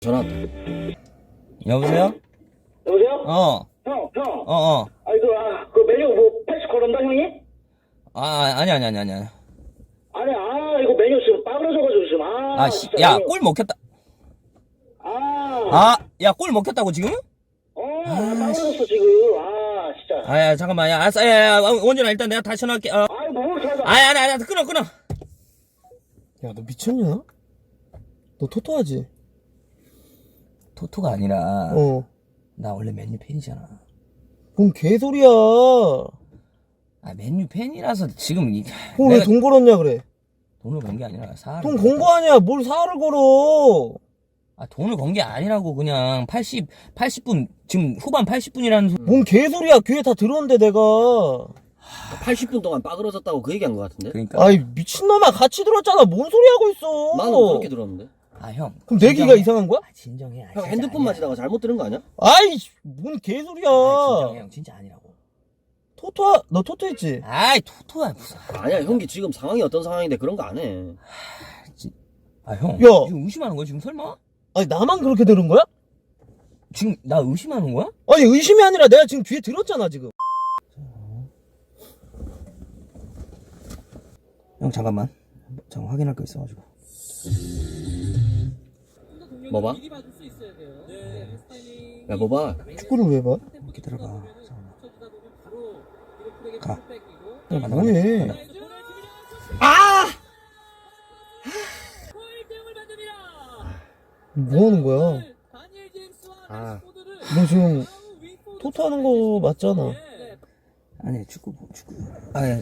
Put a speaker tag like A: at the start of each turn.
A: 전화 왔다.
B: 여보세요?
C: 여보세요?
B: 어.
C: 형.
B: 어.
C: 그 메뉴 뭐 80 걸었나, 형이?
B: 아니.
C: 아니, 이거 메뉴 지금 빠그러져가지고 지금, 진짜
B: 야,
C: 메뉴.
B: 꼴 먹혔다. 야, 꼴 먹혔다고 지금?
C: 빠그러졌어, 지금. 진짜.
B: 야, 잠깐만. 야, 알았어. 야, 원준아, 일단 내가 다시 전화할게.
C: 뭘 찾아.
B: 아니, 끊어.
A: 야, 너 미쳤냐? 너 토토하지?
B: 토토가 아니라,
A: 어.
B: 나 원래 맨유 팬이잖아.
A: 뭔 개소리야.
B: 맨유 팬이라서 지금
A: 그럼 왜 돈 걸었냐 그래?
B: 돈을 건 게 아니라 사활을.
A: 돈 건 거 아니야. 뭘 사활을 걸어.
B: 돈을 건 게 아니라고 그냥 80분, 지금 후반 80분이라는
A: 뭔 개소리야. 귀에 다 들었는데 내가.
D: 80분 동안 빠그러졌다고 그 얘기한 것 같은데?
B: 그러니까.
A: 아이 미친놈아 같이 들었잖아. 뭔 소리 하고 있어.
D: 나는 그렇게 들었는데?
B: 형.
A: 그럼 내 귀가 이상한 거야?
B: 진정해.
D: 형 핸드폰 만지다가 잘못 들은 거 아니야?
A: 아이 뭔 개소리야.
B: 진정해, 형. 진짜 아니라고.
A: 너 토토했지?
B: 토토야, 무슨.
D: 아니야, 형기 지금 상황이 어떤 상황인데 그런 거 안 해.
B: 형.
A: 야.
B: 지금 의심하는 거야, 지금 설마?
A: 아니 나만 그렇게 들은 거야?
B: 지금 나 의심하는 거야?
A: 아니 의심이 아니라 내가 지금 귀에 들었잖아 지금.
B: 형, 잠깐 확인할 거 있어가지고.
D: 뭐 봐? 야, 뭐 봐?
A: 축구를 왜 봐?
B: 기다려봐. 잠깐만. 가.
A: 뭐해? 뭐 하는 거야? 너 지금 토토하는 거 맞잖아.
B: 아니, 축구.